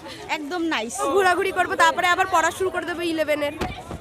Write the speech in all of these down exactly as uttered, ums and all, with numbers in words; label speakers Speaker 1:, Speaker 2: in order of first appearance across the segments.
Speaker 1: একদম নাইস। ঘোরাঘুরি করবো, তারপরে আবার পড়া শুরু করে দেবো ইলেভেনের।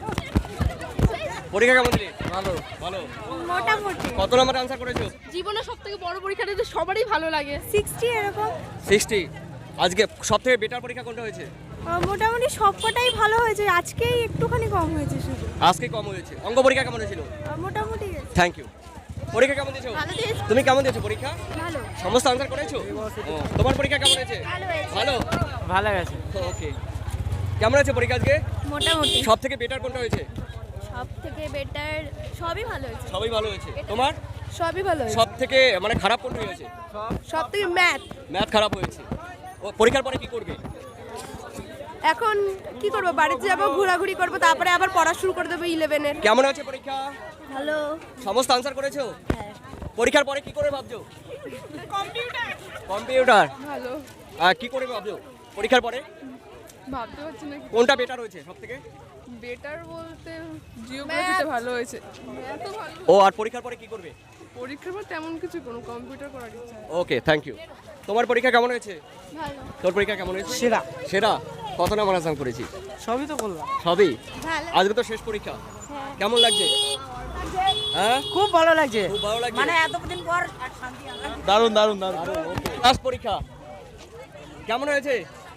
Speaker 2: পরীক্ষা কেমন দিলি?
Speaker 3: ভালো
Speaker 2: ভালো।
Speaker 1: মোটামুটি
Speaker 2: কত নাম্বার আনসার করেছো?
Speaker 1: জীবনে সব থেকে বড় পরীক্ষাটা তো সবারই ভালো লাগে। সিক্সটি এরকম।
Speaker 2: ষাট। আজকে সবথেকে বেটার পরীক্ষা কোনটা হয়েছে?
Speaker 1: মোটামুটি সবকটাই ভালো হয়েছে, আজকেই একটুখানি কম হয়েছে শুধু।
Speaker 2: আজকে কম হয়েছে। অঙ্ক পরীক্ষা কেমন হয়েছিল?
Speaker 1: মোটামুটি
Speaker 2: থ্যাংক ইউ। পরীক্ষা কেমন দিয়েছো?
Speaker 1: ভালো দিয়েছি।
Speaker 2: তুমি কেমন দিয়েছো পরীক্ষা?
Speaker 1: ভালো।
Speaker 2: সমস্ত আনসার করেছো? ও, তোমার পরীক্ষা কেমন হয়েছে?
Speaker 1: ভালো হয়েছে।
Speaker 2: ভালো।
Speaker 3: ভালো গেছে।
Speaker 2: ওকে। কেমন হয়েছে পরীক্ষা আজকে?
Speaker 1: মোটামুটি
Speaker 2: সব থেকে বেটার কোনটা হয়েছে?
Speaker 1: সব থেকে বেটার সবই ভালো হয়েছে।
Speaker 2: সবই ভালো হয়েছে। তোমার
Speaker 1: সবই ভালো হয়েছে।
Speaker 2: সব থেকে মানে খারাপ কোনটা হয়েছে?
Speaker 1: সব থেকে ম্যাথ।
Speaker 2: ম্যাথ খারাপ হয়েছে। ও, পরীক্ষার পরে কি করবে?
Speaker 1: এখন কি করবো, বাড়িতে যাবো, ঘোরাঘুরি করবো, তারপরে আবার পড়া শুরু করে দেবো ইলেভেনের।
Speaker 2: কেমন হয়েছে পরীক্ষা?
Speaker 1: ভালো।
Speaker 2: সমস্ত আনসার করেছো?
Speaker 1: হ্যাঁ।
Speaker 2: পরীক্ষার পরে কি করে ভাবছো? কম্পিউটার।
Speaker 1: ভালো।
Speaker 2: আর কি করে ভাবছো পরীক্ষার পরে?
Speaker 4: ভাবতে পারছি না
Speaker 2: কোনটা বেটার হয়েছে সব থেকে?
Speaker 4: বেটার বলতে জিওগ্রাফিটা ভালো হয়েছে। এত ভালো
Speaker 2: ও, আর পরীক্ষার পরে কি করবে?
Speaker 4: পরীক্ষার পর তেমন কিছু কোনো কম্পিউটার করার ইচ্ছা নেই।
Speaker 2: Okay, thank you. তোমার পরীক্ষা কেমন হয়েছে?
Speaker 1: ভালো।
Speaker 2: তোর পরীক্ষা কেমন হয়েছে?
Speaker 3: সেরা।
Speaker 2: সেরা। কত নাম্বার আনসার করেছি?
Speaker 3: সবই তো করলাম।
Speaker 2: সবই।
Speaker 1: ভালো।
Speaker 2: আজকে তো শেষ পরীক্ষা। কেমন লাগছে? হ্যাঁ,
Speaker 3: খুব ভালো লাগছে।
Speaker 2: খুব ভালো লাগছে।
Speaker 3: মানে এতদিন পর দারুণ দারুণ দারুণ।
Speaker 2: লাস্ট পরীক্ষা কেমন হয়েছে?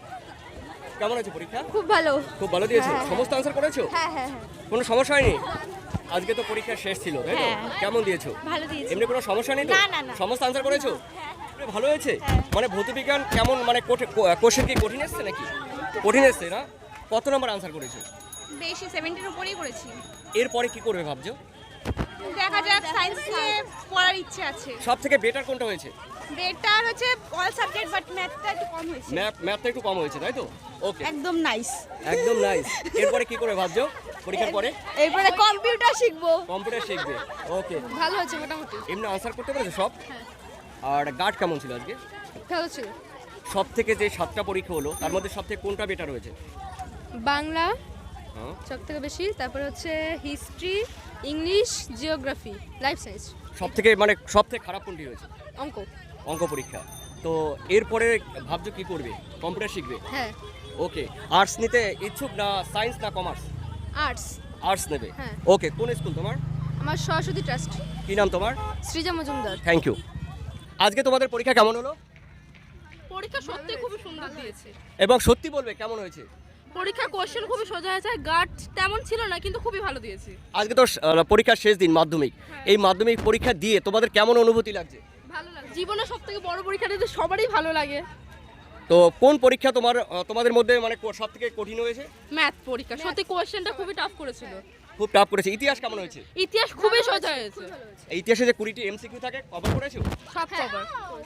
Speaker 2: কেমন হয়েছে পরীক্ষা?
Speaker 1: খুব ভালো।
Speaker 2: খুব ভালো দিয়েছো। সমস্ত আনসার করেছো?
Speaker 1: হ্যাঁ হ্যাঁ
Speaker 2: কোনো সমস্যা হয়নি? আজকে তো পরীক্ষা শেষ ছিল, তাই তো?
Speaker 1: হ্যাঁ।
Speaker 2: কেমন দিয়েছো?
Speaker 1: ভালো দিয়েছি।
Speaker 2: এমনি কোনো সমস্যা নেই তো?
Speaker 1: না, না, না।
Speaker 2: সমস্ত আনসার করেছো? ভালো হয়েছে। মানে ভৌতবিজ্ঞান কেমন, মানে কোশ্চেন কি কঠিন এসছে নাকি? কঠিন এসছে না? কত নম্বর আনসার করেছো?
Speaker 1: বেশি সেভেন্টির উপরেই করেছি।
Speaker 2: এরপরে কি করবে ভাবছো?
Speaker 1: দেখা যাক, সায়েন্স নিয়ে পড়ার ইচ্ছে আছে।
Speaker 2: সব থেকে বেটার কোনটা হয়েছে?
Speaker 1: বেটার হচ্ছে অল সাবজেক্ট, বাট ম্যাথটা একটু কম হয়েছে।
Speaker 2: ম্যাথ ম্যাথটা একটু কম হয়েছে, তাই তো? ওকে,
Speaker 1: একদম নাইস।
Speaker 2: একদম নাইস। এরপরে কি করবে ভাবছো পরীক্ষার পরে?
Speaker 1: এরপরে কম্পিউটার শিখবো।
Speaker 2: কম্পিউটার শিখবে। ওকে।
Speaker 4: ভালো হয়েছে মোটামুটি।
Speaker 2: এমনি আনসার করতে পেরেছো সব? আর গার্ড কেমন ছিল আজকে?
Speaker 4: ভালো ছিল।
Speaker 2: সব থেকে যে সাতটা পরীক্ষা হলো তার মধ্যে সব থেকে কোনটা বেটার হয়েছে?
Speaker 4: বাংলা
Speaker 2: হ্যাঁ।
Speaker 4: সব থেকে বেশি, তারপর হচ্ছে history, English, geography, life science.
Speaker 2: সব থেকে মানে সব থেকে খারাপ কোনটি হয়েছে?
Speaker 4: অঙ্ক।
Speaker 2: অঙ্ক পরীক্ষা। তো এরপরে ভাবছো কি করবে? কম্পিউটার শিখবে?
Speaker 4: হ্যাঁ।
Speaker 2: ওকে। আর্টস নিতে ইচ্ছুক না সায়েন্স না কমার্স?
Speaker 4: আর্টস।
Speaker 2: আর্টস নেবে।
Speaker 4: হ্যাঁ।
Speaker 2: ওকে, কোন স্কুল তোমার?
Speaker 4: আমার সরস্বতী ট্রাস্ট।
Speaker 2: কি নাম তোমার?
Speaker 4: সৃজা মজুমদার।
Speaker 2: Thank you. আজকে তোমাদের পরীক্ষা কেমন হলো?
Speaker 5: পরীক্ষা সত্যি খুবই সুন্দর দিয়েছে।
Speaker 2: এবং সত্যি বলবে কেমন হয়েছে?
Speaker 5: পরীক্ষা কোশ্চেন খুবই সোজা হয়েছে, গার্ড তেমন ছিল না কিন্তু খুবই ভালো দিয়েছি।
Speaker 2: আজকে তো আহ, পরীক্ষার শেষ দিন, মাধ্যমিক। এই মাধ্যমিক পরীক্ষা দিয়ে তোমাদের কেমন অনুভূতি লাগছে?
Speaker 5: ভালো লাগে। জীবনে সব থেকে বড় পরীক্ষাটা তো সবারই ভালো লাগে।
Speaker 2: তো কোন পরীক্ষা তোমার আহ, তোমাদের মধ্যে মানে সব থেকে কঠিন হয়েছে?
Speaker 5: ম্যাথ পরীক্ষা সত্যি কোশ্চেনটা খুবই টাফ করেছিল।
Speaker 2: খুব টাফ করেছে। ইতিহাস কেমন হয়েছে?
Speaker 5: ইতিহাস খুবই সোজা হয়েছে।
Speaker 2: এই ইতিহাসে যে কুড়িটি এমসিকিউ থাকে কভার করেছো?
Speaker 5: সব কভার।